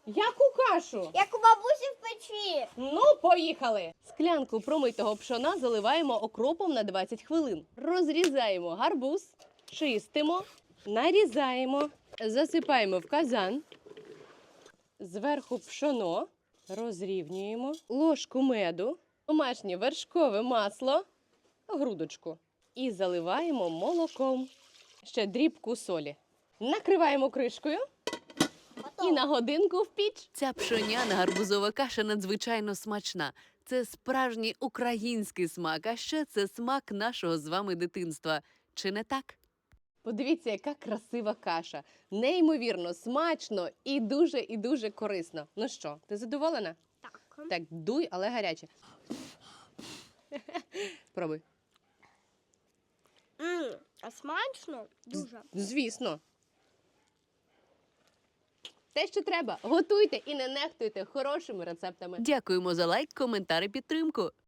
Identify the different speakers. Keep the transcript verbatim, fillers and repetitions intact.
Speaker 1: Яку кашу?
Speaker 2: Як у бабусі в печі.
Speaker 1: Ну, поїхали! Склянку промитого пшона заливаємо окропом на двадцять хвилин. Розрізаємо гарбуз, чистимо, нарізаємо, засипаємо в казан. Зверху пшоно, розрівнюємо, ложку меду, домашнє вершкове масло, грудочку. І заливаємо молоком. Ще дрібку солі. Накриваємо кришкою і на годинку в піч.
Speaker 3: Ця пшоняна гарбузова каша надзвичайно смачна. Це справжній український смак, а ще це смак нашого з вами дитинства. Чи не так?
Speaker 1: Подивіться, яка красива каша. Неймовірно, смачно і дуже, і дуже корисно. Ну що, ти задоволена?
Speaker 2: Так.
Speaker 1: Так, дуй, але гаряче. Пробуй.
Speaker 2: М, а смачно? Дуже.
Speaker 1: Звісно. Те, що треба. Готуйте і не нехтуйте хорошими рецептами.
Speaker 3: Дякуємо за лайк, коментар і підтримку.